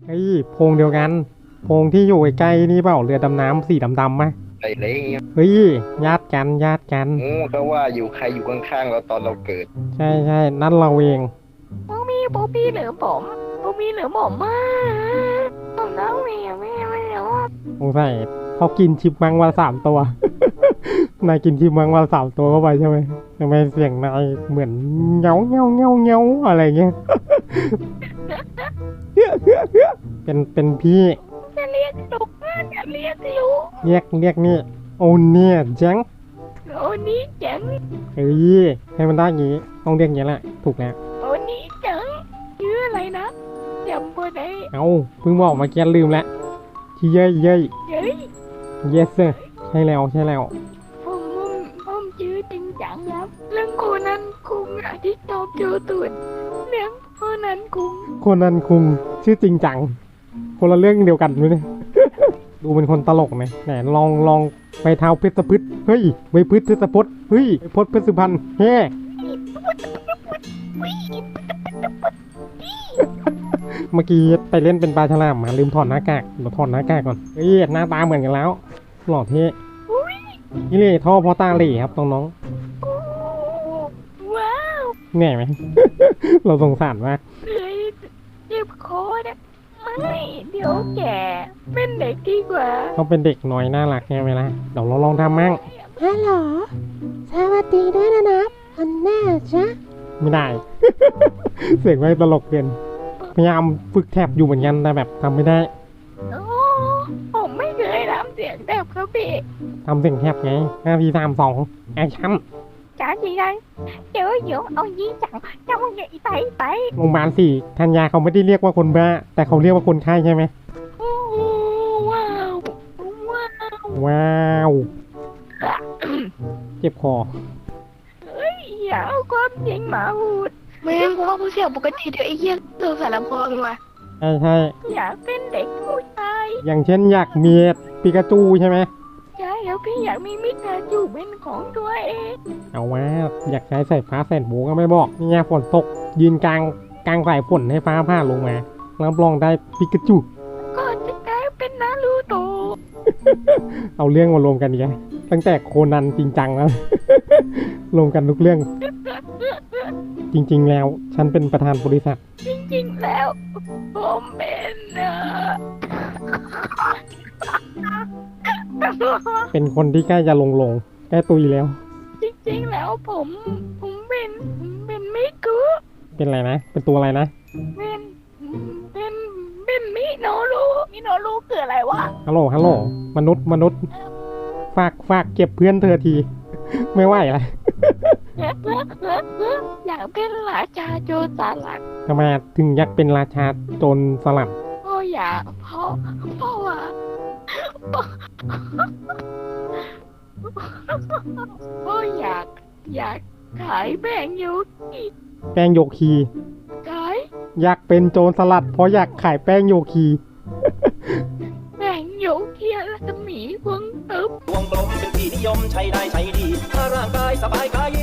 เฮ้ยโพรงเดียวกันโพรงที่อยู่ใกล้ๆนี่เปล่าเรือดำน้ำสีดำๆไหมไอ้เล้งเฮ้ยญาติกันญาติกันโอ้เขาว่าอยู่ใครอยู่ข้างๆเราตอนเราเกิดใช่ใช่นั่นเราเองปูปี้เหลือผมปูปี้เหลือผมมากผมน้องแม่ไม่รู้สงสัยเขากินชิปมังวัน3 ตัว นายกินชิปมังวัน3 ตัวเข้าไปใช่ไหมทำไมเสียงนายเหมือนเงาเงาเงาเงาอะไรเงี้ย เป็นพี่จะเรียกลูกจะเรียกลูกเรียกนี่โอเนี่ยจังโอ้นี้จังเฮ้ยให้มันได้อย่างงี้ต้องเรียกอย่างนี้แหละถูกแล้วโอ้นี้จังชื่ออะไรนะจำบ่ได้เอาเพิ่งบอกมาแกลืมแล้วที่เย้ยเฮ้ย yes sir ใช่แล้วผมชื่อจริงจังครับเรื่องโคนันคุงอะที่ชอบโจตุนเรื่องโคนันคุงคนนั้นคุงชื่อจริงจังคนละเรื่องเดียวกันด้วยเนี่ย ดูเป็นคนตลกไหมไหนลองไปเท้าเพชรพืชเฮ้ยไวพืชเพชรพจน์เฮ้ยพจน์เพชรสุพรรณเฮ้เมื่อกี้ไปเล่นเป็นปลาฉลามมาลืมถอดหน้ากากเดี๋ยวถอดหน้ากากก่อนเฮ้ยหน้าตาเหมือนกันแล้วหล่อเท่นี่เลยท่อพอตาเหล่ครับน้องว้าวๆเหนื่อยไหม เราสงสารมากเลยเจ็บคอนะไม่เดี๋ยวแกเป็นเด็กดีกว่าเขาเป็นเด็กน้อยน่ารักใช่ไหมล่ะเดี๋ยวเราลองทำมั่งฮัลโหลสวัสดีด้วยนะอันแน่จ๊ะไม่ได้ เสียงไม่ตลกเกินพยายามฝึกแทบอยู่เหมือนกันแต่แบบทำไม่ได้โอ้ผมไม่เคยทำเสียงแบบเขาพี่ทำเสียงแทบไง5 4 3 2แอคชั่น chả gì đây chớ dưỡng ông dí chặn trong vậy tay โรงพยาบาลสี่ธัญญาเขาไม่ได้เรียกว่าคนบ้าแต่เขาเรียกว่าคนไข้ใช่ไหม wow wow ว้าวเจ็บคอ dạ con chuyện mà hụt แม่งกูว่ากูเสียงปกติเดี๋ยวไอ้เหี้ยเติมสารลำโพงมาใช่ dạ bên địch của trai อย่างเช่นอยากมีปิกาจูใช่ไหม trái ở phía dạ mi mít ra chu bên con đuôi em เอาว่าอยากใช้สายฟ้าแสนโบก็ไม่บอกนี่ไงฝนตกยืนกลางสายฝนให้ฟ้าผ่าลงมารับรองได้ปิกาจู con cái cái bên ná lưu tù เอาเรื่องมารวมกันอีกแล้วตั้งแต่โคนันจริงจังแล้ว รวมกันทุกเรื่อง จริงๆแล้วฉันเป็นประธานบริษัทจริงๆแล้วผมเป็นเป็นคนที่ใกล้จะลงใกล้ตุยแล้วจริงๆแล้วผมเป็นไม่กูเป็นอะไรนะ เป็นตัวอะไรนะเป็นมิโนรูคืออะไรวะฮัลโหลมนุษย์ฝากเก็บเพื่อนเธอที ไม่ไหวละอยากเป็นราชาโจรสลัดทำไมถึงอยากเป็นราชาโจรสลัดเพราะอยากเพราะว่าเพราะอยากขายแบ่งยูกิแป้งโยคีขายอยากเป็นโจรสลัด เพราะอยากขายแป้งโยคีแบ่งยูกิรัศมีวงตึบวงกลมเป็นที่นิยมใช้ได้ใช้ดี ถ้าร่างกายสบายกาย